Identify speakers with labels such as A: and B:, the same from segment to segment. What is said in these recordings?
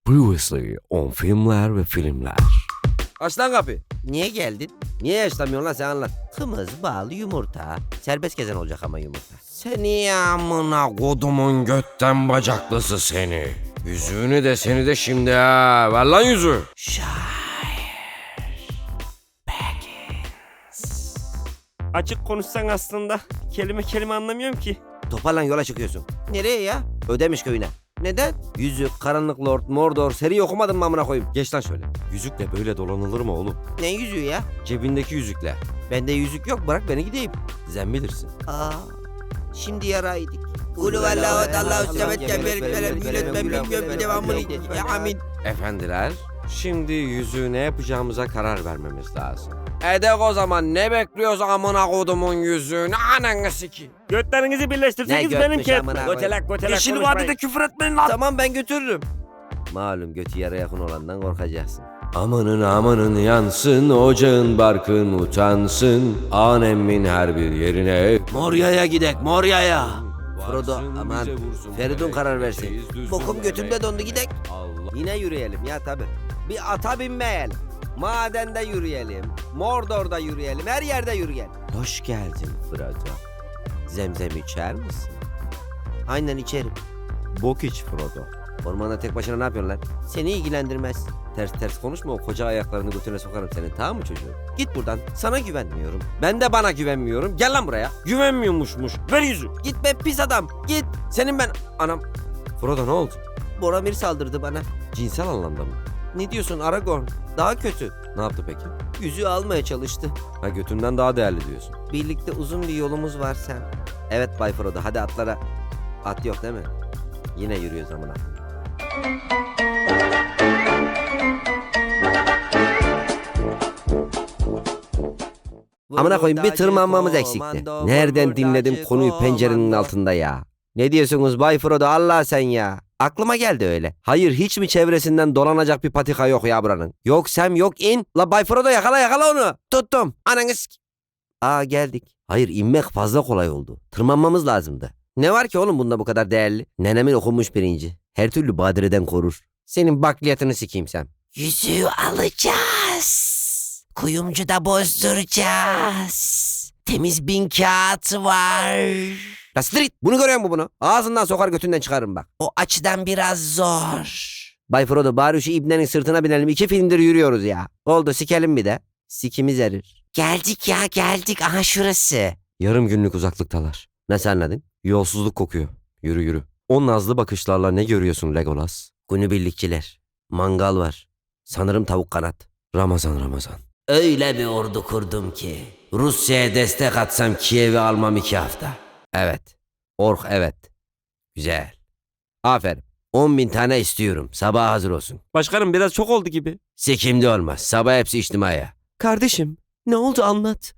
A: Previously on filmler ve filmler.
B: Aç lan kapıyı. Niye geldin? Niye yaşlamıyorsun lan, sen anlat. Kımız, bal, yumurta. Serbest gezen olacak ama yumurta.
A: Seni amına kodumun götten bacaklısı seni. Yüzüğünü de seni de şimdi ha. Ver lan yüzüğü.
C: Açık konuşsan aslında kelime kelime anlamıyorum ki.
B: Toparlan, yola çıkıyorsun. Nereye ya? Ödemiş köyüne. Neden? Yüzük, Karanlık Lord, Mordor seri okumadın mı amına koyayım?
A: Geç lan şöyle. Yüzükle böyle dolanılır mı oğlum?
B: Ne yüzüğü ya?
A: Cebindeki yüzükle.
B: Bende yüzük yok, bırak beni gideyim.
A: Sen bilirsin.
B: Aa, şimdi yaraydık. Kulu vallahu Allahu semet cember velem yületmem bilmiyorum devamını. Amin.
A: Efendiler, şimdi yüzüğü ne yapacağımıza karar vermemiz lazım. Edek o zaman, ne bekliyoruz amına kodumun yüzüğünü, ananı sikeyim.
C: Götlerinizi birleştirseniz
B: Ne
C: benim
B: götmüş
C: ket.
B: amına
C: Götelek götelek
A: Yeşil
C: konuşmayın.
A: vadide küfür etmeyin lan.
B: Tamam, ben götürürüm. Malum götü yara yakın olandan korkacaksın.
A: Amanın amanın yansın, ocağın barkın utansın, anemmin her bir yerine.
B: Moria'ya gidek, Moria'ya. Frodo,
A: Varsın
B: aman
A: bize vursun
B: Feridun
A: demek,
B: karar versin.
A: şeyiz düzgün
B: Bokum götümde
A: demek.
B: dondu, gidek.
A: Allah.
B: Yine yürüyelim ya tabi. Bir ata binmeyelim. Madende yürüyelim. Mordor'da yürüyelim. Her yerde yürüyelim. Hoş geldin Frodo. Zemzem içer misin? Aynen içerim.
A: Bok iç Frodo.
B: Ormanda tek başına ne yapıyorsun lan? Seni ilgilendirmez. Ters ters konuşma, o koca ayaklarını götüne sokarım senin, tamam mı çocuğum? Git buradan. Sana güvenmiyorum. Ben de bana güvenmiyorum. Gel lan buraya.
A: Güvenmiyormuşmuş. Ver yüzü.
B: Git be pis adam. Git. Senin ben... Anam.
A: Frodo ne oldu?
B: Boromir saldırdı bana.
A: Cinsel anlamda mı?
B: Ne diyorsun Aragorn? Daha kötü.
A: Ne yaptı peki?
B: Yüzüğü almaya çalıştı.
A: Ha, götünden daha değerli diyorsun.
B: Birlikte uzun bir yolumuz var sen. Evet Bay Frodo, hadi atlara. At yok değil mi? Yine yürüyoruz amına. Amına koyayım, bir tırmanmamız eksikti. Nereden dinledim konuyu pencerenin altında ya? Ne diyorsunuz Bay Frodo, Allah sen ya? Aklıma geldi öyle. Hayır, hiç mi çevresinden dolanacak bir patika yok ya buranın? Yok Sam, yok in. La Bay Frodo, yakala onu. Tuttum. Ananı Aa, geldik. Hayır, inmek fazla kolay oldu. Tırmanmamız lazımdı. Ne var ki oğlum bunda bu kadar değerli? Nenemin okunmuş pirinci. Her türlü badireden korur. Senin bakliyatını sikeyim Sam. Yüzüğü alacağız. Kuyumcuda bozduracağız. Temiz 1000 kağıt var. La street, bunu görüyor musun bunu? Ağzından sokar götünden çıkarırım bak. O açıdan biraz zor. Bay Frodo, bari şu ibnenin sırtına binelim. 2 filmdir yürüyoruz ya. Oldu, sikelim bir de. Sikimiz erir. Geldik ya, geldik. Aha şurası.
A: Yarım günlük uzaklıktalar.
B: Nasıl anladın?
A: Yolsuzluk kokuyor. Yürü yürü. O nazlı bakışlarla ne görüyorsun Legolas?
B: Günübirlikçiler. Mangal var. Sanırım tavuk kanat.
A: Ramazan.
B: Öyle bir ordu kurdum ki Rusya'ya destek atsam Kiev'i almam 2 hafta. Evet. Ork, evet. Güzel. Aferin. 10.000 tane istiyorum. Sabah hazır olsun.
C: Başkanım biraz çok oldu gibi.
B: Sikimde olmaz. Sabah hepsi içtimaya.
C: Kardeşim ne oldu anlat.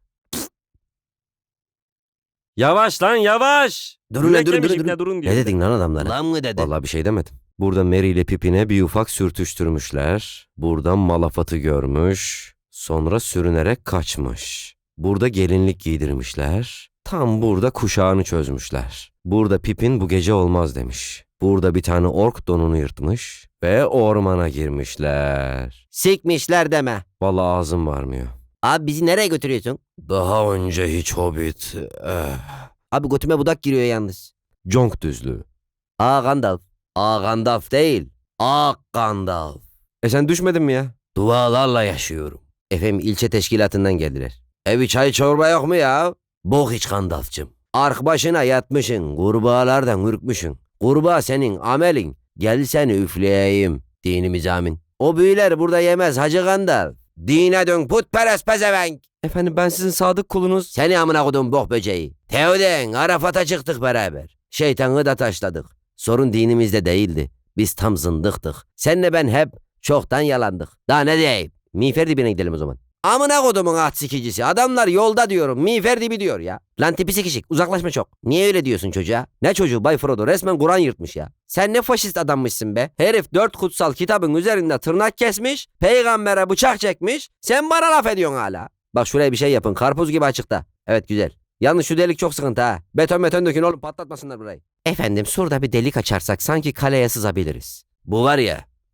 C: Yavaş lan yavaş.
B: Durun lan,
C: Yürek
B: durun,
C: yemiş
B: durun,
C: ibne,
B: durun.
C: durun diyor.
B: Ne dedin lan adamlara? Lan mı dedin?
A: Vallahi bir şey demedim. Burada Merry ile Pippin'e bir ufak sürtüştürmüşler. Buradan Malafat'ı görmüş. Sonra sürünerek kaçmış. Burada gelinlik giydirmişler. Tam burada kuşağını çözmüşler. Burada Pippin bu gece olmaz demiş. Burada bir tane ork donunu yırtmış ve ormana girmişler.
B: Sikmişler deme.
A: Vallahi ağzım varmıyor.
B: Abi bizi nereye götürüyorsun?
A: Daha önce hiç Hobbit...
B: Abi götüme budak giriyor yalnız.
A: Conk düzlüğü.
B: Aa Gandalf. Aa Gandalf değil. Aa Gandalf.
A: Sen düşmedin mi ya?
B: Dualarla yaşıyorum. Efendim, ilçe teşkilatından geldiler. Evi çay çorba yok mu ya? Bok iç Gandalf'cım. Ark başına yatmışın. Kurbağalardan ürkmüşün. Kurbağa senin amelin. Gel seni üfleyeyim. Dinimiz amin. O büyüler burada yemez Hacı Gandalf. Dine dön putperest pezevenk.
C: Efendim ben sizin sadık kulunuz.
B: Seni amına kodum bok böceği. Teoden Arafat'a çıktık beraber. Şeytanı da taşladık. Sorun dinimizde değildi. Biz tam zındıktık. Senle ben hep çoktan yalandık. Daha ne diyeyim? Miğfer dibine gidelim o zaman. Amına kodumun at sikicisi. Adamlar yolda diyorum. Miğfer dibi diyor ya. Lan tipi sikişik. Uzaklaşma çok. Niye öyle diyorsun çocuğa? Ne çocuğu Bay Frodo? Resmen Kur'an yırtmış ya. Sen ne faşist adammışsın be. Herif 4 kutsal kitabın üzerinde tırnak kesmiş. Peygambere bıçak çekmiş. Sen bana laf ediyorsun hala. Bak şuraya bir şey yapın. Karpuz gibi açıkta. Evet, güzel. Yalnız şu delik çok sıkıntı ha. Beton dökün oğlum, patlatmasınlar burayı. Efendim, şurada bir delik açarsak sanki kaleye sızabiliriz. Bu var ya,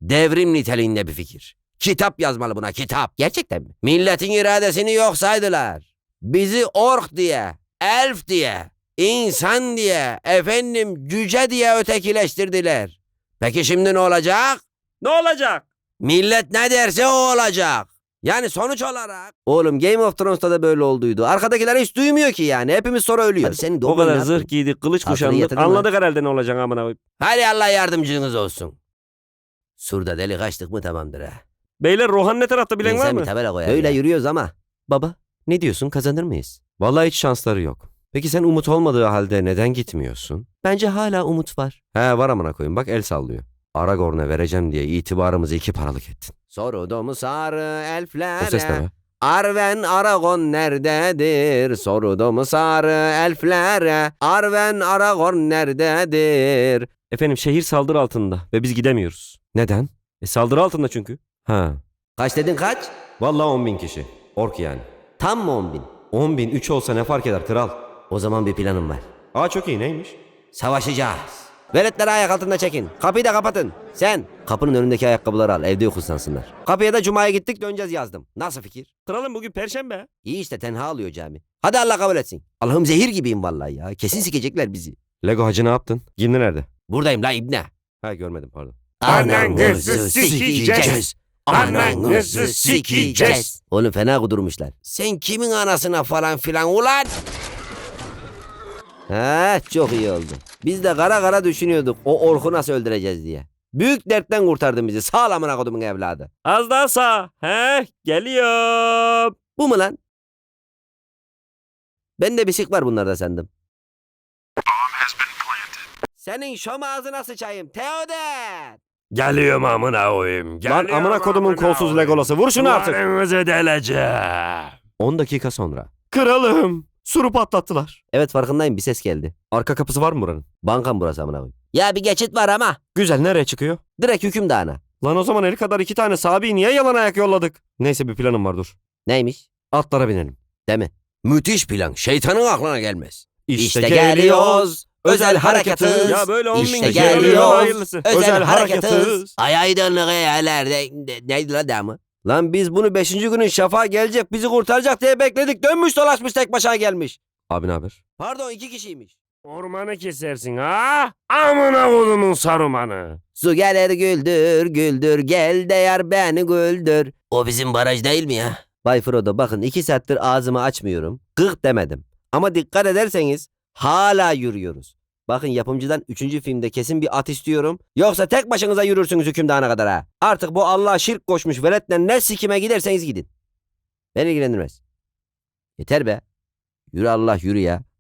B: Devrim niteliğinde bir fikir. Kitap yazmalı buna, kitap. Gerçekten mi? Milletin iradesini yok saydılar. Bizi ork diye, elf diye, insan diye, efendim cüce diye ötekileştirdiler. Peki şimdi ne olacak?
C: Ne olacak?
B: Millet ne derse o olacak. Yani sonuç olarak. Oğlum Game of Thrones'ta da böyle olduydu. Arkadakiler hiç duymuyor ki yani. Hepimiz sonra ölüyoruz. Hadi senin
C: O kadar zırh giydik, kılıç
B: Altını
C: kuşandık.
B: yatırdın mı?
C: Anladık herhalde ne olacak amına koyayım.
B: Hadi Allah yardımcınız olsun. Surda delik açtık mı tamamdır ha.
C: Beyler Rohan ne tarafta bilen var
B: İnsan
C: mı?
B: bir tabela koyar. Böyle yürüyoruz ama.
A: Baba, ne diyorsun, kazanır mıyız? Vallahi hiç şansları yok. Peki sen umut olmadığı halde neden gitmiyorsun?
B: Bence hala umut var.
A: He, var amına koyayım, bak el sallıyor. Aragorn'a vereceğim diye itibarımızı 2 paralık ettin.
B: Sorudu sarı elflere.
A: O ses ne be?
B: Arven Aragorn nerededir? Sorudu sarı elflere. Arven Aragorn nerededir?
C: Efendim şehir saldırı altında ve biz gidemiyoruz.
A: Neden?
C: Saldırı altında çünkü.
A: Ha,
B: Kaç dedin kaç?
A: vallahi 10.000 kişi. Ork yani.
B: Tam mı 10.000?
A: 10.000 3 olsa ne fark eder kral?
B: O zaman bir planım var.
A: Aa, çok iyi, neymiş?
B: Savaşacağız. Veletleri ayak altında çekin. Kapıyı da kapatın. Sen kapının önündeki ayakkabıları al. Evde yok ıslansınlar. Kapıya da cumaya gittik döneceğiz yazdım. Nasıl fikir?
C: Kralım bugün perşembe.
B: İyi işte tenha alıyor cami. Hadi Allah kabul etsin. Allah'ım zehir gibiyim vallahi ya. Kesin sikecekler bizi.
A: Lego hacı ne yaptın? Gimli nerede?
B: Buradayım la ibne.
A: Ha, görmedim, pardon.
C: Ananızı sikeceğiz. Ananızı sikeceğiz.
B: Oğlum fena kudurmuşlar. Sen kimin anasına falan filan ulan? Ha, çok iyi oldu. Biz de kara kara düşünüyorduk o orku nasıl öldüreceğiz diye. Büyük dertten kurtardın bizi. Sağ ol amına kodumun evladı.
C: Az daha sağ. He, geliyorum.
B: Bu mu lan? Ben de bisik var bunlarda sandım. Senin şom ağzına sıçayım Teoder.
C: Geliyorum amına koyayım.
A: Lan
C: Geliyorum
A: amına kodumun kolsuz
C: koyayım.
A: Legolası, vur şunu artık.
C: Duvarınızı deleceğim.
A: 10 dakika sonra.
C: Kralım. Suru patlattılar.
B: Evet farkındayım bir ses geldi.
A: Arka kapısı var mı buranın?
B: Bankam burası amına koyayım. Ya bir geçit var ama.
A: Güzel, nereye çıkıyor?
B: Direkt hükümdağına.
A: Lan o zaman el kadar 2 tane sahabeyi niye yalan ayak yolladık? Neyse, bir planım var, dur.
B: Neymiş?
A: Atlara binelim.
B: Değil mi? Müthiş plan. Şeytanın aklına gelmez.
A: İşte
B: geliyoruz. Özel harekatız.
C: Ya böyle 10 bin
B: İşte
C: kişi ölüyor,
B: geliyoruz.
C: hayırlısı.
B: Özel
A: harekatız.
B: harekatız. Ay aydınlık yerlerde. Neydi la devamı? Lan biz bunu 5. günün şafağı gelecek bizi kurtaracak diye bekledik. Dönmüş dolaşmış tek başına gelmiş.
A: Abi ne haber?
B: Pardon 2 kişiymiş.
C: Ormanı kesersin ha? Amına kodumun sarumanı.
B: Su gelir güldür güldür gel de yar beni güldür. O bizim baraj değil mi ya? Bay Frodo bakın 2 saattir ağzımı açmıyorum. Gık demedim. Ama dikkat ederseniz hala yürüyoruz. Bakın yapımcıdan 3. filmde kesin bir at istiyorum. Yoksa tek başınıza yürürsünüz hükümdana kadar ha. Artık bu Allah'a şirk koşmuş veletle ne sikime giderseniz gidin. Beni ilgilendirmez. Yeter be. Yürü Allah yürü ya.